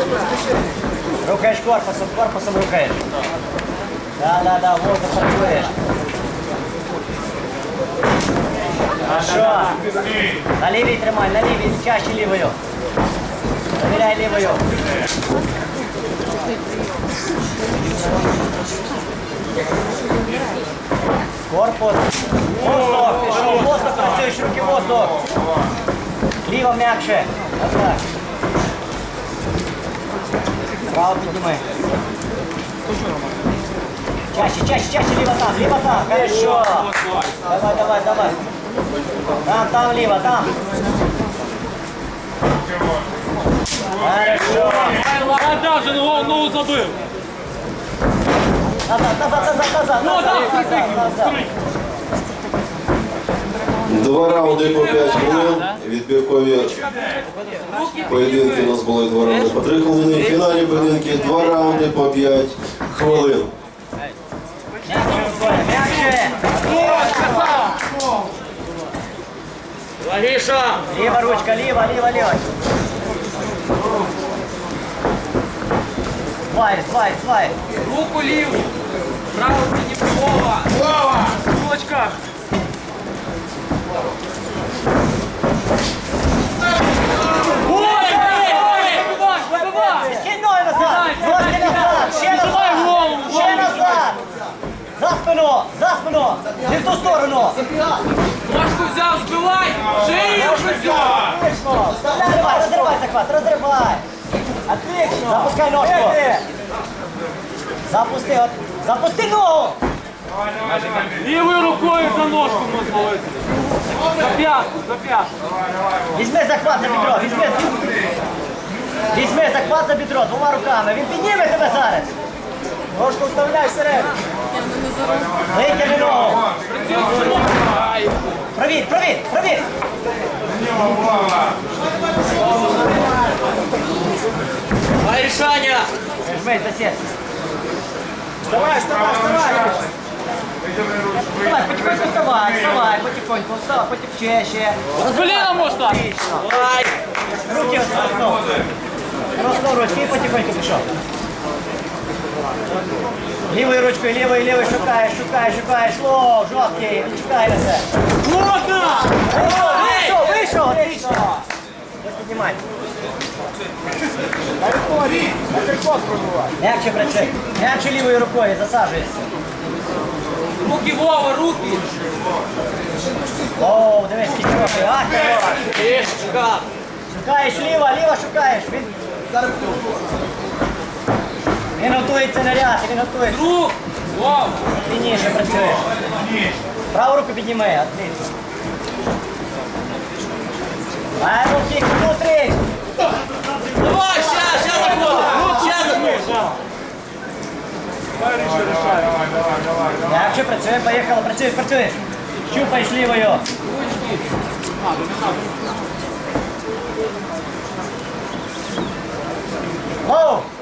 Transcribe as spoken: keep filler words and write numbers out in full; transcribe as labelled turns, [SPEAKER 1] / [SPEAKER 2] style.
[SPEAKER 1] Рухаєш корпусом, корпусом рухаєш. Да, да, да, воздух працюєш. Хорошо. На лівій тримай, на лівій, чаще лівою. Довіряй лівою. Корпус. Воздух, пішов, воздух, працюєш, руки воздух. Ліво м'якше. Отак. Право підніми. Чаще, чаще, чаще, ліво там, ліво там. Хорошо. Давай, давай, давай. Там, там, ліво, там. Хорошо.
[SPEAKER 2] А даже ногу забив.
[SPEAKER 1] Назад, назад, назад, назад, назад, назад, назад.
[SPEAKER 3] Два раунди по п'ять хвилин. Відбіркові поєдинки у нас були два раунди по три хвилини. В фіналі поєдинки два раунди по п'ять хвилин.
[SPEAKER 1] М'якше.
[SPEAKER 2] Логіша.
[SPEAKER 1] Ліва ручка, ліва, ліва, ліва. Слайд, слайд, слайд.
[SPEAKER 2] Руку ліву. Право мені права. Права. Кулачка. Ой, ой, забивай.
[SPEAKER 1] Кинь ноги назад. Ножки назад. Ще назад. Ще назад. За спину, за спину. Не в ту сторону.
[SPEAKER 2] Ножку взяв, збивай. Шию взяв.
[SPEAKER 1] Отлично. Вставляй, розривай захват, розривай. Отлично. Запускай ножку. Запусти, от. Запусти ногу.
[SPEAKER 2] Лівою рукою за ножку можна. За п'ятку, за п'ятку.
[SPEAKER 1] Візьми захват за бідро, візьми. Візьми захват за бідро двома руками. Він підніме тебе зараз. Ножку вставляй всередину. Витягни ногу. Провір, провір, провір.
[SPEAKER 2] Ай, рішання.
[SPEAKER 1] Жмись до сетки. Вставай, вставай, вставай. Вставай, потихоньку вставай, вставай, потихоньку, вставай, потихоньку, ще, ще.
[SPEAKER 2] З коліна можна.
[SPEAKER 1] Отлично.
[SPEAKER 2] Ай.
[SPEAKER 1] Руки розкров. Розкров ручки і потихоньку пішов. Лівою ручкою, лівою, лівою шукаєш, шукаєш, шукаєш. Лоу, жовткий, шукай на це.
[SPEAKER 2] Можна.
[SPEAKER 1] Вийшов, вийшов, отлично. Ось піднімай. М'якше працюй. М'якше лівою рукою, засаджуєшся.
[SPEAKER 2] Руки, Вова, руки.
[SPEAKER 1] Оу, дивись, скільки років. Ах, хорош.
[SPEAKER 2] Тишка.
[SPEAKER 1] Шукаєш ліво, ліво шукаєш. Він... Він готується на ряд, він готується.
[SPEAKER 2] Рук. Вова.
[SPEAKER 1] Спільніше працюєш. Праву руку підніми, отлично. Ай, руки, внутрі.
[SPEAKER 2] Давай, сейчас, сейчас заходим. Сейчас заходим.
[SPEAKER 1] М'якше працює, поїхали, працюєш, працюєш. Щупаєш лівою. Оу!